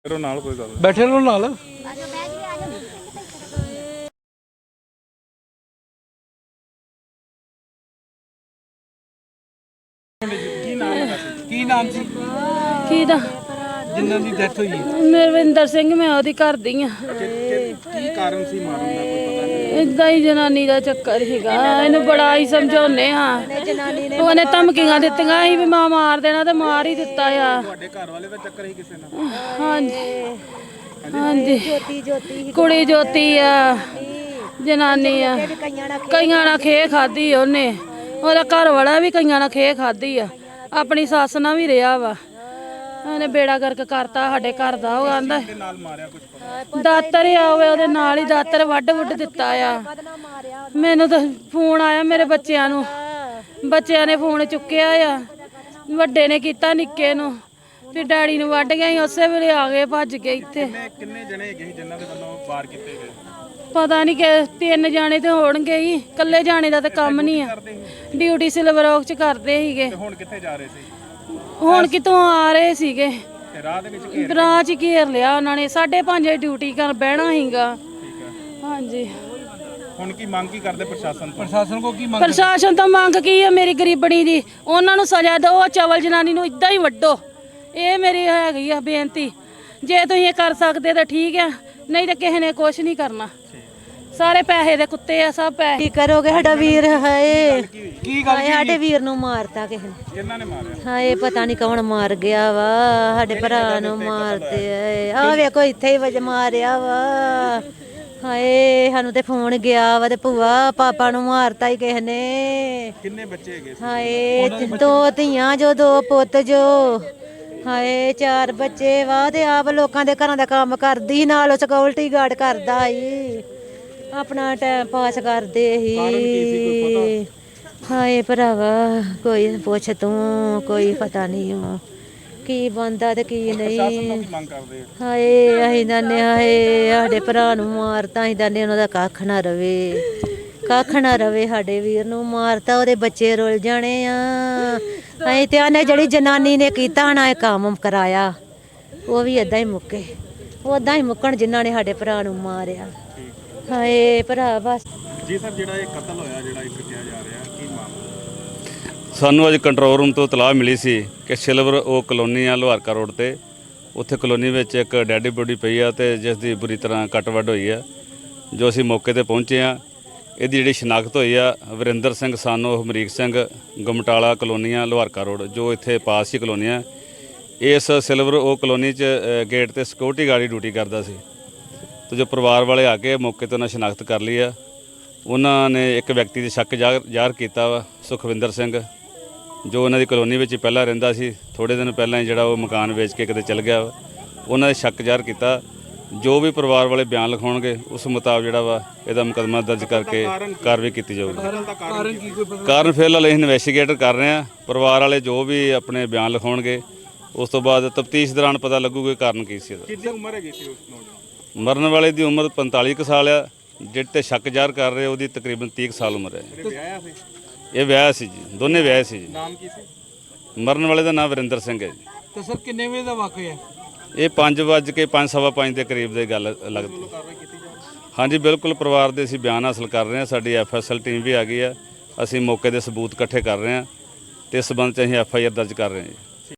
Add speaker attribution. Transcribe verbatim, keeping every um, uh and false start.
Speaker 1: नाल कोई गल
Speaker 2: बैठे रहो नाल। की नाम सी
Speaker 3: की दा
Speaker 2: जिन्हां दी डेथ हुई?
Speaker 3: ਮਰਵਿੰਦਰ ਸਿੰਘ, ਮੈਂ ਉਹਦੀ ਘਰ ਦੀ ਆ।
Speaker 1: की कारण सी मारन दा कोई पता नहीं?
Speaker 3: ਇਦਾਂ ਹੀ ਜਨਾਨੀ ਦਾ ਚੱਕਰ ਸੀਗਾ। ਇਹਨੂੰ ਬੜਾ ਹੀ ਸਮਝਾਉਨੇ ਆ। ਉਹਨੇ ਧਮਕੀਆਂ ਦਿੱਤੀਆਂ ਸੀ ਵੀ ਮਾਂ ਮਾਰ ਦੇਣਾ ਤੇ ਮਾਰ ਹੀ ਦਿੱਤਾ ਆ।
Speaker 1: ਤੁਹਾਡੇ ਘਰ ਵਾਲੇ ਦਾ ਚੱਕਰ ਹੀ ਕਿਸੇ ਨਾਲ?
Speaker 3: ਹਾਂਜੀ ਹਾਂਜੀ, ਕੁੜੀ ਜੋਤੀ ਆ, ਜਨਾਨੀ ਆ। ਕਈਆਂ ਨਾਲ ਖੇ ਖਾਦੀ ਉਹਨੇ, ਉਹਦਾ ਘਰ ਵਾਲਾ ਵੀ ਕਈਆਂ ਨਾਲ ਖੇ ਖਾਦੀ ਆ। ਆਪਣੀ ਸੱਸ ਨਾਲ ਵੀ ਰਿਹਾ ਵਾ। ਉਹਨੇ ਬੇੜਾ ਗਰਕ ਕਰਤਾ ਸਾਡੇ ਘਰ ਦਾ। ਉਹ ਆਂਦਾ ਦਾਤਰ ਆ ਉਹਦੇ ਨਾਲ ਹੀ ਦਾਤਰ ਵੱਢ ਵੁੱਢ ਦਿੱਤਾ ਆ। ਮੈਨੂੰ ਤਾਂ ਫੋਨ ਆਇਆ ਮੇਰੇ ਬੱਚਿਆਂ ਨੂੰ, ਬੱਚਿਆਂ ਨੇ ਫੋਨ ਚੁੱਕਿਆ ਆ। ਵੱਡੇ ਨੇ ਕੀਤਾ ਨਿੱਕੇ ਨੂੰ, ਫਿਰ ਡੈਡੀ ਨੂੰ ਵੱਢ ਗਿਆ। ਉਸੇ ਵੇਲੇ ਆ ਗਏ ਭੱਜ ਕੇ ਇੱਥੇ।
Speaker 1: ਕਿੰਨੇ ਜਣੇ ਹੈਗੇ ਜਿਨ੍ਹਾਂ ਦੇ ਵੱਲੋਂ ਵਾਰ ਕੀਤੇ ਗਏ?
Speaker 3: ਪਤਾ ਨਹੀਂ ਕਿ ਤਿੰਨ ਜਾਣੇ ਤੇ ਹੋਣਗੇ ਹੀ, ਇਕੱਲੇ ਜਾਣੇ ਦਾ ਤਾਂ ਕੰਮ ਨਹੀਂ ਆ। ਡਿਊਟੀ ਸਿਲਵਰ ਔਕ ਚ ਕਰਦੇ ਸੀਗੇ।
Speaker 1: ਹੁਣ ਕਿੱਥੇ ਜਾ ਰਹੇ ਸੀ?
Speaker 3: ਹੁਣ ਕਿਤੋਂ ਆ ਰਹੇ ਸੀਗੇ,
Speaker 1: ਰਾਹ ਦੇ ਵਿੱਚ
Speaker 3: ਰਾਹ ਚ ਘੇਰ ਲਿਆ ਉਹਨਾਂ ਨੇ। ਸਾਢੇ ਪੰਜ ਡਿਊਟੀ ਕਰ ਬਹਿਣਾ ਸੀਗਾ। ਹਾਂਜੀ,
Speaker 1: ਹੁਣ ਕੀ ਮੰਗ ਕੀ ਕਰਦੇ ਪ੍ਰਸ਼ਾਸਨ ਤੋਂ?
Speaker 2: प्रशासन को की मंग?
Speaker 3: ਪ੍ਰਸ਼ਾਸਨ ਤੋਂ ਮੰਗ ਕੀ ਆ? ਮੇਰੀ ਗਰੀਬਣੀ ਦੀ ਉਹਨਾਂ ਨੂੰ ਸਜ਼ਾ ਦਿਓ। ਚਵਲ ਜਨਾਨੀ ਨੂੰ ਇਦਾਂ ਹੀ ਵੱਢੋ। ਇਹ ਮੇਰੀ ਹੈਗੀ ਆ ਬੇਨਤੀ। ਜੇ ਤੁਸੀਂ ਇਹ ਕਰ ਸਕਦੇ ਤਾਂ ਠੀਕ ਆ, ਨਹੀਂ ਤਾਂ ਕਿਸੇ ਨੇ ਕੁਛ ਨਹੀਂ ਕਰਨਾ। ਸਾਰੇ ਪੈਸੇ ਦੇ ਕੁੱਤੇ ਆ, ਸਭ ਪੈਸੇ।
Speaker 4: ਕੀ ਕਰੋਗੇ? ਸਾਡਾ ਵੀਰ ਹਾਏ,
Speaker 2: की गल?
Speaker 4: ਹਾਏ ਸਾਡੇ ਵੀਰ ਨੂੰ ਮਾਰਤਾ ਕਿਸੇ ਨੇ।
Speaker 1: ਕਿਹਨਾਂ ਨੇ ਮਾਰਿਆ?
Speaker 4: ਹਾਏ ਪਤਾ ਨਹੀਂ ਕੌਣ ਮਾਰ ਗਿਆ ਵਾ। ਸਾਡੇ ਭਰਾ ਨੂੰ ਮਾਰਦੇ ਆਏ। ਆ ਵੇਖੋ ਇੱਥੇ ਹੀ ਵਜ ਮਾਰਿਆ ਵਾ। ਹਾਏ ਸਾਨੂੰ ਤੇ ਫੋਨ ਗਿਆ ਵਾ ਤੇ ਭੂਆ ਪਾਪਾ ਨੂੰ ਮਾਰਤਾ ਹੀ ਕਿਸੇ ਨੇ।
Speaker 1: ਕਿੰਨੇ ਬੱਚੇ ਹੈਗੇ ਸੀ?
Speaker 4: ਹਾਏ ਦੋ ਧੀਆਂ ਜੋ, ਦੋ ਪੁੱਤ ਜੋ। ਹਾਏ ਚਾਰ ਬੱਚੇ ਵਾ ਤੇ ਆਪ ਲੋਕਾਂ ਦੇ ਘਰਾਂ ਦਾ ਕੰਮ ਕਰਦੀ, ਨਾਲ ਸਿਕਿਉਰਿਟੀ ਗਾਰਡ ਕਰਦਾ ਸੀ। ਆਪਣਾ ਟਾਈਮ ਪਾਸ ਕਰਦੇ ਸੀ। ਹਾਏ ਭਰਾਵਾ ਕੋਈ ਪੁੱਛ ਤੂੰ, ਕੋਈ ਪਤਾ ਨਹੀਂ ਉਹ ਕੀ ਬੰਦਾ ਤੇ ਕੀ ਨਹੀਂ।
Speaker 1: ਮੰਗ ਕਰਦੇ ਆ?
Speaker 4: ਹਾਏ ਅਸੀਂ ਦੰਨੇ ਹਾਏ ਸਾਡੇ ਭਰਾ ਨੂੰ ਮਾਰਤਾ। ਅਸੀਂ ਦੰਨੇ ਉਹਨਾਂ ਦਾ ਕੱਖ ਨਾ ਰਵੇ, ਕੱਖ ਨਾ ਰਵੇ। ਸਾਡੇ ਵੀਰ ਨੂੰ ਮਾਰਤਾ, ਉਹਦੇ ਬੱਚੇ ਰੁੱਲ ਜਾਣੇ ਆ। ਅਸੀਂ ਤੇ ਆਨੇ ਜਿਹੜੀ ਜਨਾਨੀ ਨੇ ਕੀਤਾ ਨਾ ਇਹ ਕੰਮ ਕਰਾਇਆ, ਉਹ ਵੀ ਏਦਾਂ ਹੀ ਮੁੱਕੇ। ਉਦਾਂ ਹੀ ਮੁੱਕਣ ਜਿਨ੍ਹਾਂ ਨੇ ਸਾਡੇ ਭਰਾ ਨੂੰ ਮਾਰਿਆ। ਹਾਏ ਭਰਾ ਬਸ।
Speaker 1: ਜੀ ਸਰ, ਜਿਹੜਾ ਇਹ ਕਤਲ ਹੋਇਆ, ਜਿਹੜਾ ਇੱਕ ਕਿਹਾ ਜਾ ਰਿਹਾ, ਕੀ ਮਾਮਲਾ?
Speaker 5: ਸਾਨੂੰ ਅੱਜ ਕੰਟਰੋਲ ਰੂਮ ਤੋਂ ਇਤਲਾਹ ਮਿਲੀ ਸੀ ਕਿ ਸਿਲਵਰ ਉਹ ਕਲੋਨੀ ਆ ਲੋਹਾਰਕਾ ਰੋਡ ਤੇ। ਉੱਥੇ ਕਲੋਨੀ ਵਿੱਚ ਇੱਕ ਡੈਡੀ ਬੋਡੀ ਪਈ ਆ ਤੇ ਜਿਸ ਦੀ ਬੁਰੀ ਤਰ੍ਹਾਂ ਕੱਟ ਵੱਢ ਹੋਈ ਆ। ਜੋ ਅਸੀਂ ਮੌਕੇ ਤੇ ਪਹੁੰਚੇ ਆ, ਇਹਦੀ ਜਿਹੜੀ ਸ਼ਨਾਖਤ ਹੋਈ ਆ ਵਰਿੰਦਰ ਸਿੰਘ ਸਾਨੋ ਹਮਰੀਕ ਸਿੰਘ, ਗਮਟਾਲਾ ਕਲੋਨੀਆਂ ਲੋਹਾਰਕਾ ਰੋਡ, ਜੋ ਇੱਥੇ ਪਾਸ ਹੀ ਕਲੋਨੀ ਆ। ਇਸ ਸਿਲਵਰ ਉਹ ਕਲੋਨੀ 'ਚ ਗੇਟ ਤੇ ਸਿਕਿਉਰਿਟੀ ਗਾਰਡ ਡਿਊਟੀ ਕਰਦਾ ਸੀ। ਤੇ ਜੋ ਪਰਿਵਾਰ ਵਾਲੇ ਆ ਕੇ ਮੌਕੇ ਤੇ ਉਹਨਾਂ ਸ਼ਨਾਖਤ ਕਰ ਲਈ ਆ। ਉਹਨਾਂ ਨੇ ਇੱਕ ਵਿਅਕਤੀ ਦੇ ਸ਼ੱਕ ਜ਼ਾਹਰ ਕੀਤਾ ਵਾ, ਸੁਖਵਿੰਦਰ ਸਿੰਘ, ਜੋ ਉਹਨਾਂ ਦੀ ਕਲੋਨੀ ਵਿੱਚ ਹੀ ਪਹਿਲਾਂ ਰਹਿੰਦਾ ਸੀ। ਥੋੜ੍ਹੇ ਦਿਨ ਪਹਿਲਾਂ ਹੀ ਜਿਹੜਾ ਉਹ ਮਕਾਨ ਵੇਚ ਕੇ ਕਿਤੇ ਚਲ ਗਿਆ ਵਾ। ਉਹਨਾਂ ਦੇ ਸ਼ੱਕ ਜ਼ਾਹਰ ਕੀਤਾ। ਜੋ ਵੀ ਪਰਿਵਾਰ ਵਾਲੇ ਬਿਆਨ ਲਿਖਾਉਣਗੇ ਉਸ ਮੁਤਾਬਕ ਜਿਹੜਾ ਵਾ ਇਹਦਾ ਮੁਕੱਦਮਾ ਦਰਜ ਕਰਕੇ ਕਾਰਵਾਈ ਕੀਤੀ ਜਾਊਗੀ।
Speaker 2: कारण की कोई पता?
Speaker 5: ਕਾਰਨ ਫਿਲਹਾਲ ਅਸੀਂ ਇਨਵੈਸਟੀਗੇਟ ਕਰ ਰਹੇ ਹਾਂ। ਪਰਿਵਾਰ ਵਾਲੇ ਜੋ ਵੀ ਆਪਣੇ ਬਿਆਨ ਲਿਖਾਉਣਗੇ ਉਸ ਤੋਂ ਬਾਅਦ ਤਫਤੀਸ਼ ਦੌਰਾਨ ਪਤਾ ਲੱਗੂਗਾ ਕਾਰਨ ਕੀ ਸੀ ਇਹਦਾ।
Speaker 1: ਕਿੰਨੀ ਉਮਰ ਹੈਗੀ ਸੀ ਉਸ ਨੌਜਵਾਨ?
Speaker 5: ਮਰਨ ਵਾਲੇ ਦੀ ਉਮਰ ਪੰਤਾਲੀ ਕੁ ਸਾਲ ਆ। ਜਿਹੜੇ ਤੇ ਸ਼ੱਕ ਜ਼ਾਹਰ ਕਰ ਰਹੇ ਉਹਦੀ ਤਕਰੀਬਨ ਤੀਹ ਕੁ ਸਾਲ ਉਮਰ ਹੈ।
Speaker 1: ਜਿਹੜੇ ਵਿਆਹਿਆ ਸੀ?
Speaker 5: ਇਹ ਵਿਆਹ ਸੀ ਜੀ, ਦੋਨੇ ਵਿਆਹ ਸੀ ਜੀ।
Speaker 1: ਨਾਮ ਕੀ ਸੀ?
Speaker 5: ਮਰਨ ਵਾਲੇ ਦਾ ਨਾਮ ਵਰਿੰਦਰ ਸਿੰਘ ਹੈ ਜੀ।
Speaker 2: तो सर किन्ने बजे का वाकया है?
Speaker 5: ਇਹ ਪੰਜ ਵੱਜ ਕੇ ਪੰਜ ਸਵਾ ਪੰਜ ਦੇ ਕਰੀਬ ਦੀ ਗੱਲ ਲੱਗਦੀ।
Speaker 1: ਕਾਰਵਾਈ ਕੀਤੀ ਜਾਵੇ?
Speaker 5: ਹਾਂਜੀ ਬਿਲਕੁਲ, ਪਰਿਵਾਰ ਦੇ ਅਸੀਂ ਬਿਆਨ ਹਾਸਲ ਕਰ ਰਹੇ ਹਾਂ। ਸਾਡੀ ਐਫ ਐਸ ਐਲ ਟੀਮ ਵੀ ਆ ਗਈ ਆ। ਅਸੀਂ ਮੌਕੇ ਦੇ ਸਬੂਤ ਇਕੱਠੇ ਕਰ ਰਹੇ ਹਾਂ ਤੇ ਇਸ ਸੰਬੰਧ 'ਚ ਅਸੀਂ ਐਫ ਆਈ ਆਰ ਦਰਜ ਕਰ ਰਹੇ ਹਾਂ ਜੀ।